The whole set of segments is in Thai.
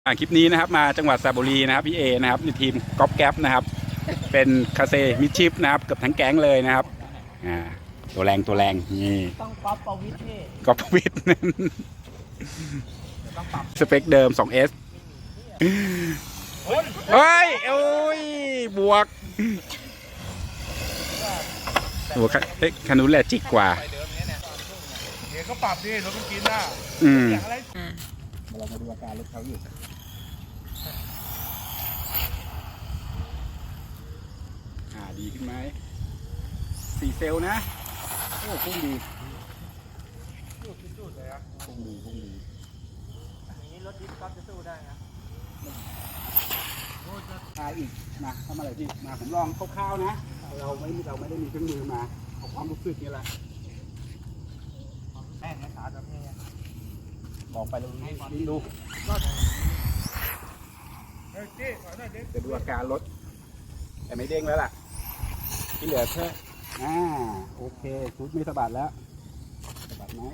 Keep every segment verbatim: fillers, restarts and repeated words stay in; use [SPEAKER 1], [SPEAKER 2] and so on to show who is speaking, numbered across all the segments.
[SPEAKER 1] คลิปนี้นะครับมาจังหวัดสระบุรีนะครับพี่เอนะครับในทีมก๊อปแก๊ปนะครับเป็นคาเซมิดชิปนะครับกับทั้งแก๊งเลยนะครับอ่าตัวแรงตัวแรงนี่
[SPEAKER 2] ต้องก๊อปประวิทย์นี่
[SPEAKER 1] ก๊อปประวิทย์สเปคเดิม สองเอส เฮ้ยโอ้ยบวกโอ้เฮ้ยคันนู้นแหละจิกกว่า
[SPEAKER 3] เดี๋ยวก็ปรับดิรถมันกินได้
[SPEAKER 1] อืม
[SPEAKER 3] เรามาดูอาการรถเขาอยู่
[SPEAKER 1] อ่าดีขึ้นไหมสี่เซลล์นะโอ้พุ่งดี
[SPEAKER 3] จุดๆเลยอะ
[SPEAKER 1] พุ่งดีพุ่งดี
[SPEAKER 2] อย่างนี้รถดิฟก๊อปจะสู้ได้นะ
[SPEAKER 1] มาอีกมาทำอะไรพี่มาผมลองคร่าวๆนะเราไม่เราไม่ได้มีเครื่องมือมาเอาความรู้สึกนี่แหละ
[SPEAKER 2] แม่งนะครับแบบนี้
[SPEAKER 1] ลองไปดูนี่ดูจะดูอาการรถแต่ไม่เด้งแล้วล่ะที่เหลือแค่อ่าโอเคชุดไม่สะบัดแล้วสะบัดไหม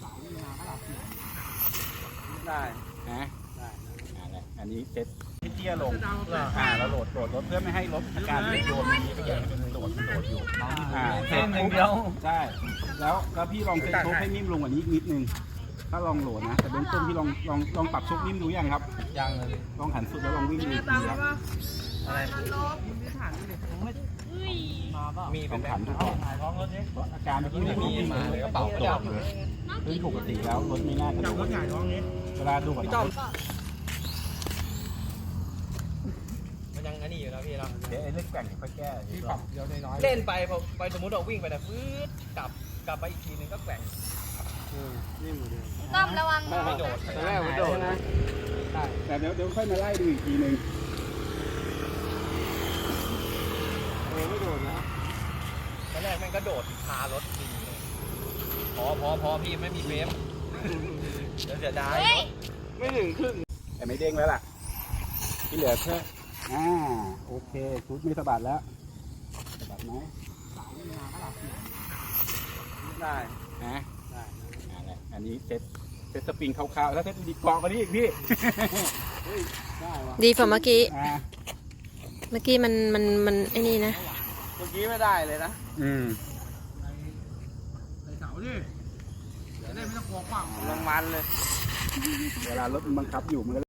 [SPEAKER 2] ได้
[SPEAKER 1] นะได้อันนี้เซ็ตที่เตี้ยลงอ่าเราโหลดโหลดรถเพื่อไม่ให้รถอาการโยนนี้ไปเลยโหลดโหลดอยู่อ่า
[SPEAKER 2] เซ็ตหนึ่งเดียว
[SPEAKER 1] ใช่แล้วแล้วพี่ลองเซ็ตโชคให้นิ่มลงกว่านี้นิดนึงถ้าลองโหลดนะแต่เบื้องต้นพี่ลองลองลองปรับโชคนิ่มดูยังครับ
[SPEAKER 2] ยังเลย
[SPEAKER 1] ลองหันสุดแล้วลองวิ่งดูดีครับ
[SPEAKER 2] อะไรมี
[SPEAKER 1] เป็นขันดูก่อนอาการเมื่อกี้ไม่มีมาเลยก็เป่าตกเลยซึ่งปกติแล้วรถไม่น่าจะโดนเวลาดูก่อน
[SPEAKER 2] มันยังอันนี้อยู่นะพี่เรา
[SPEAKER 1] เดี๋ยวไอ้เรื่องแกว่งค่อยแก้
[SPEAKER 3] ที่ปรับเดียวน้อย
[SPEAKER 2] เล่นไปพอไปสมมติเราวิ่งไปนะฟื้นกลับกลับไปอีกทีนึงก็แกว่ง
[SPEAKER 3] นี่เหมือนเดิม
[SPEAKER 4] ต้อมระวัง
[SPEAKER 2] ไม่โดด
[SPEAKER 3] แต่แรกมันโดดนะ
[SPEAKER 1] แต่เดี๋ยวเดี๋ยวค่อยมาไล่ดูอีกทีนึง
[SPEAKER 3] เออไม่โดดนะ
[SPEAKER 2] ตอนแรกแม่งก็โดดคารถดีพอพอพอพี่ไม่มีเฟรมเดี๋ยวเสียดาย
[SPEAKER 3] ไม่ถึงครึ่ง
[SPEAKER 1] แต่ไม่เด้งแล้วล่ะที่เหลือแค่อ่าโอเคชุดไม่สะบัดแล้วสะบัดไหม
[SPEAKER 2] ได้
[SPEAKER 1] นะได้อันนี้เซ็ตเซ็ตสปริงคร่าวๆแล้วเซ็ตดีกรอกกว่านี้อีกพี่
[SPEAKER 4] ดีกว่าเมื่อกี้เมื่อกี้มันมันมันไอ้นี่นะ
[SPEAKER 2] เมื่อกี้ไม่ได้เลยนะ
[SPEAKER 1] อืม
[SPEAKER 3] ใส่เสาดิเดี๋ยวได้ไม่ต้องกลัวขวาง
[SPEAKER 2] ลงมันเลย
[SPEAKER 1] เวลารถมันบังคับอยู่มัน